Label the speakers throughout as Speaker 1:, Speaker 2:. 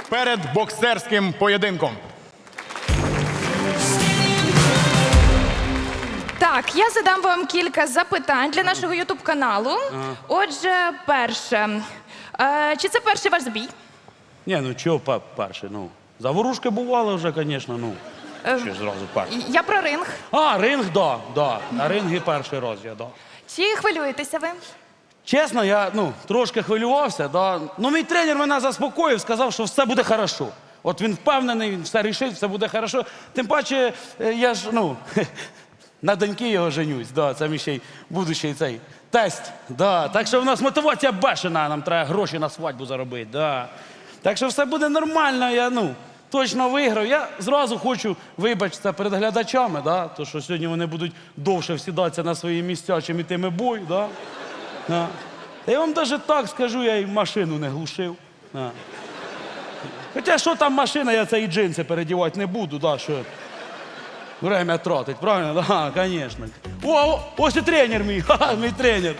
Speaker 1: перед боксерським поєдинком.
Speaker 2: Так, я задам вам кілька запитань для нашого ютуб-каналу. Отже, перше. Чи це перший ваш збій?
Speaker 3: Ні, ну чого перший, ну. Заворушки бували вже, звісно, ну. Що ж зразу перший?
Speaker 2: Я про ринг.
Speaker 3: А, ринг, да. На рингі перший раз я, да.
Speaker 2: Чи хвилюєтеся ви?
Speaker 3: Чесно, я, трошки хвилювався, да. Ну, мій тренер мене заспокоїв, сказав, що все буде хорошо. От він впевнений, він все рішив, все буде хорошо. Тим паче, я ж, на доньки його женюсь, да, це мій ще й будущий цей тесть, да. Так що в нас мотивація бешена, нам треба гроші на свадьбу заробити, да. Так що все буде нормально, я, точно виграв. Я зразу хочу вибачитися перед глядачами, да, то що сьогодні вони будуть довше всідатися на свої місця, чим ітиме бой, да. Да. Та я вам навіть так скажу, я й машину не глушив. Да. Хоча що там машина, я це і джинси передівати не буду, да, що время тратить, правильно? Да, звісно. О, ось і тренер мій, мій тренер.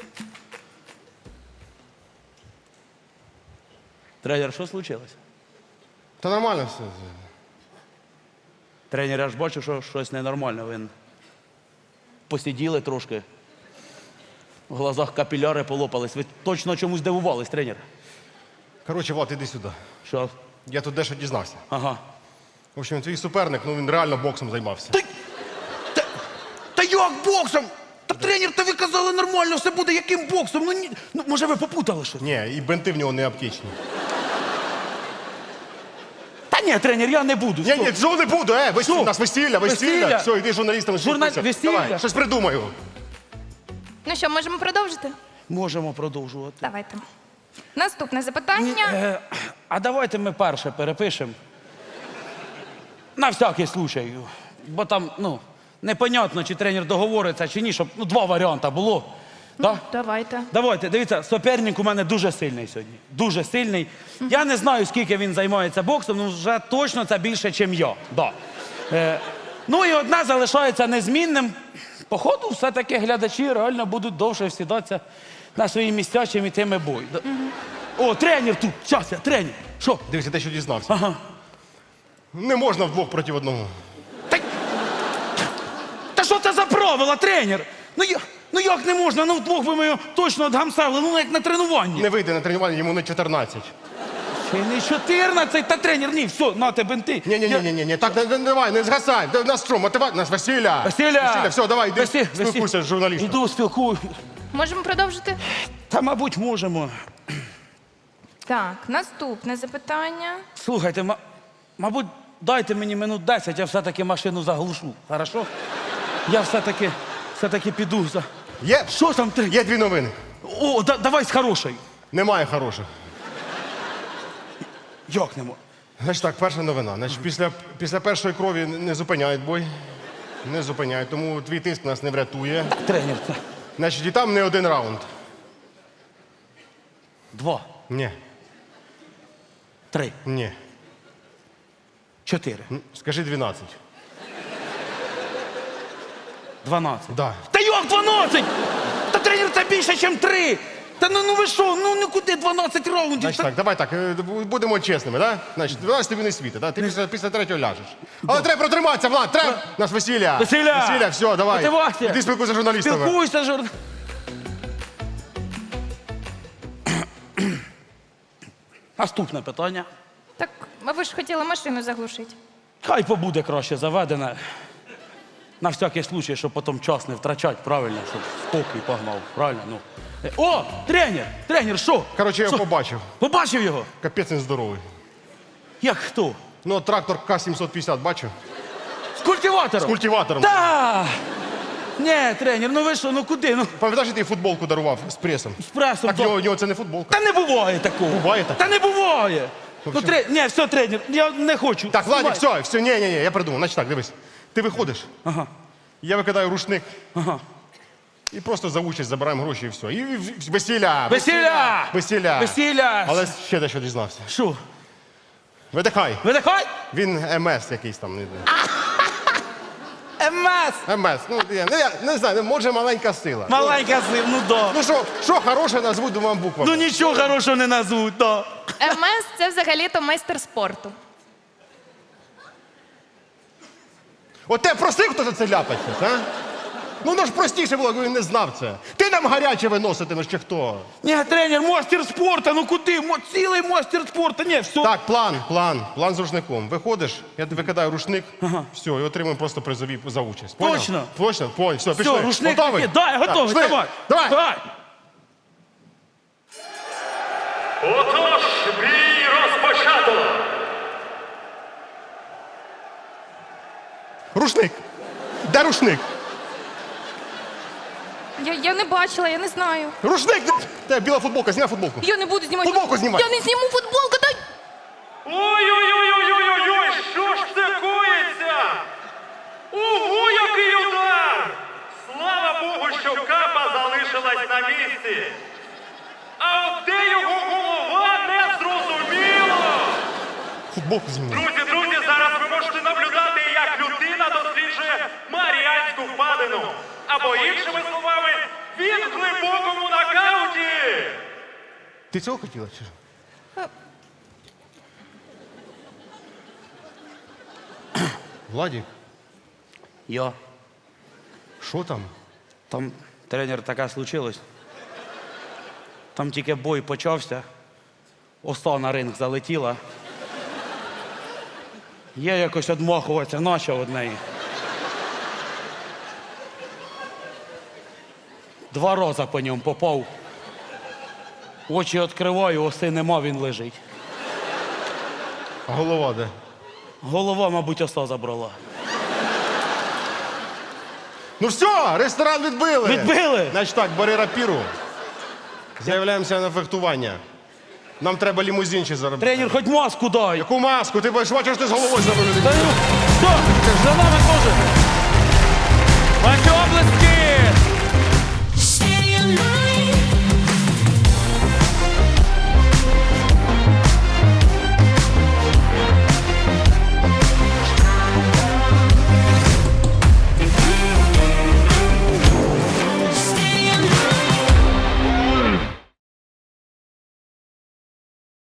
Speaker 3: Тренер, що случилось?
Speaker 4: Та нормально все.
Speaker 3: Тренер, я ж бачу, що щось ненормально. Ви посиділи трошки, в глазах капіляри полопались. Ви точно чомусь дивувались, тренер?
Speaker 4: Коротше, Влад, іди сюди.
Speaker 3: Що?
Speaker 4: Я тут дещо дізнався.
Speaker 3: Ага.
Speaker 4: В общем, твій суперник, він реально боксом займався.
Speaker 3: Та як боксом? Та тренер, та ви казали нормально, все буде яким боксом? Може ви попутали щось?
Speaker 4: Ні, і бенти в нього не аптечні.
Speaker 3: Та ні, тренер, я не буду.
Speaker 4: Ні, цього не буду, у нас весілля.
Speaker 3: Весілля?
Speaker 4: Все, йди журналістам спілкуйся.
Speaker 3: Весілля?
Speaker 4: Давай, щось придумаю.
Speaker 2: Ну що, можемо продовжити?
Speaker 3: Можемо продовжувати.
Speaker 2: Давайте. Наступне запитання.
Speaker 3: А давайте ми перше перепишемо. На всякий случай. Бо там, непонятно, чи тренер договориться, чи ні, щоб два варіанти було. Да?
Speaker 2: Давайте.
Speaker 3: Давайте, дивіться, суперник у мене дуже сильний сьогодні. Дуже сильний. Я не знаю, скільки він займається боксом, але вже точно це більше, ніж я. Да. І одне залишається незмінним. Походу, все-таки глядачі реально будуть довше всідатися на свої місця, чим ітиме бой. О, тренер тут! Щас я, тренер! Що?
Speaker 4: Дивіться, те, що дізнався.
Speaker 3: Ага.
Speaker 4: Не можна вдвох проти одного.
Speaker 3: Та що це за правила, тренер? Як не можна? Вдвох би ми його точно отгамсали, як на тренуванні.
Speaker 4: Не вийде на тренування, йому не 14.
Speaker 3: Ще не 14, та тренер, ні, все, нате бенти.
Speaker 4: Ні, так, давай, не згасай. У нас що, мотивація? У нас весілля.
Speaker 3: Весілля!
Speaker 4: Все, давай, йди, спілкуйся з журналістом.
Speaker 3: Іду, спілкую.
Speaker 2: Можемо продовжити?
Speaker 3: Та, мабуть, можемо.
Speaker 2: Так, наступне запитання.
Speaker 3: Слухайте, мабуть, дайте мені минут 10, я все-таки машину заглушу, хорошо? Я все-таки піду за...
Speaker 4: Є?
Speaker 3: Що там ти?
Speaker 4: Є дві новини.
Speaker 3: О, давай з хорошої.
Speaker 4: Немає хороших.
Speaker 3: Як нема?
Speaker 4: Значить так, перша новина. Значить, після першої крові не зупиняють бой. Не зупиняють, тому твій тиск нас не врятує.
Speaker 3: Тренер, це...
Speaker 4: Значить, і там не один раунд.
Speaker 3: 2,
Speaker 4: Ні,
Speaker 3: 3,
Speaker 4: ні.
Speaker 3: 4,
Speaker 4: Скажи 12.
Speaker 3: 12.
Speaker 4: Да.
Speaker 3: Та як 12? Та тренер, це більше, ніж 3. Та ви що, куди 12 раундів?
Speaker 4: Значить так, давай так, будемо чесними, да? Значить, 12 тобі не світить, да? Ти після третього ляжеш. Але треба протриматися, Влад, треба! У нас весілля.
Speaker 3: Весілля!
Speaker 4: Весілля, все, давай.
Speaker 3: Мотивація!
Speaker 4: Іди спілкуйся з журналістами.
Speaker 3: Спілкуйся, Наступне питання.
Speaker 2: Так, а ви ж хотіли машину заглушити.
Speaker 3: Хай побуде краще заведене. На всякий случай, щоб потім час не втрачати, правильно, щоб спокій погнав, правильно? О, тренер, що?
Speaker 4: Коротше, я його побачив.
Speaker 3: Побачив його?
Speaker 4: Капець він здоровий.
Speaker 3: Як хто?
Speaker 4: Ну, трактор К-750 бачив?
Speaker 3: З культиватором?
Speaker 4: З культиватором.
Speaker 3: Та! Ні, тренер, ви що, куди?
Speaker 4: Пам'ятаєш, я тобі футболку дарував з пресом?
Speaker 3: З пресом.
Speaker 4: Так в нього це не футболка.
Speaker 3: Та не буває такого.
Speaker 4: Буває так?
Speaker 3: Та не буває.
Speaker 4: Общем-
Speaker 3: Ні, все, тренер, я не хочу.
Speaker 4: Так, Владик,
Speaker 3: Знімай.
Speaker 4: все, ні, я придумав. Значить так, дивись. Ти виходиш,
Speaker 3: Ага,
Speaker 4: я викидаю рушник і просто за участь забираємо гроші і все. І весілля!
Speaker 3: Весілля!
Speaker 4: Весілля!
Speaker 3: Весілля!
Speaker 4: Але ще дещо дізнався.
Speaker 3: Що?
Speaker 4: Видихай.
Speaker 3: Видихай?
Speaker 4: Він МС якийсь там.
Speaker 3: МС!
Speaker 4: МС. Ну, я не знаю, може маленька сила.
Speaker 3: Маленька сила, ну да.
Speaker 4: Ну що хороше назвуть двома буквами?
Speaker 3: Ну нічого хорошого не назвуть, да.
Speaker 2: МС це взагалі-то майстер спорту.
Speaker 4: От тебе просив, хто за це ляпаться, а? Ну, воно ж простіше було, якби він не знав це. Ти нам гаряче виноситимеш чи хто?
Speaker 3: Ні, тренер, мастер спорту, ну куди? Цілий мастер спорту, ні, все.
Speaker 4: Так, план з рушником. Виходиш, я тобі кидаю рушник, все, і отримуємо просто призові за участь. Поняв?
Speaker 3: Точно?
Speaker 4: Точно, понял. Все, пішли.
Speaker 3: Все, рушник
Speaker 4: Готовий?
Speaker 3: такий. Да, я готовий,
Speaker 4: пішли.
Speaker 3: давай.
Speaker 4: Давай.
Speaker 5: Отож, бій розпочато!
Speaker 4: Рушник. Де рушник?
Speaker 2: Я не бачила, я не знаю.
Speaker 4: Рушник! Те, біла футболка, зніми футболку.
Speaker 2: Я не буду знімати.
Speaker 4: Футболку знімай.
Speaker 2: Я не зніму футболку, дай!
Speaker 5: Ой-ой-ой-ой-ой-ой! Що ж це коїться? Ого, який удар! Слава Богу, що капа залишилась на місці. А от де його голова, не зрозуміло!
Speaker 4: Футболку зніми.
Speaker 5: Друзі, зараз ви можете наблюдати, як людина досліджує Маріанську впадину. Або іншими словами, він в глибокому нокауті!
Speaker 4: Ти цього хотіла чи? що? Владик,
Speaker 3: Йо,
Speaker 4: що там?
Speaker 3: там, тренер, таке случилось. Там тільки бой почався, оса на ринг залетіла. Я якось одмахуватися почав від неї. 2 рази по ньому попав. Очі відкриваю, оси нема, він лежить.
Speaker 4: А голова де?
Speaker 3: Голова, мабуть, оса забрала.
Speaker 4: Ну все, ресторан відбили.
Speaker 3: Відбили?
Speaker 4: Значить так, бери рапіру. Заявляємося на фехтування. Нам треба лімузин ще заробити.
Speaker 3: Тренер, хоч маску дай.
Speaker 4: Яку маску? Ти бачиш, ти з головою забив.
Speaker 3: Та ну, що? За нами теж.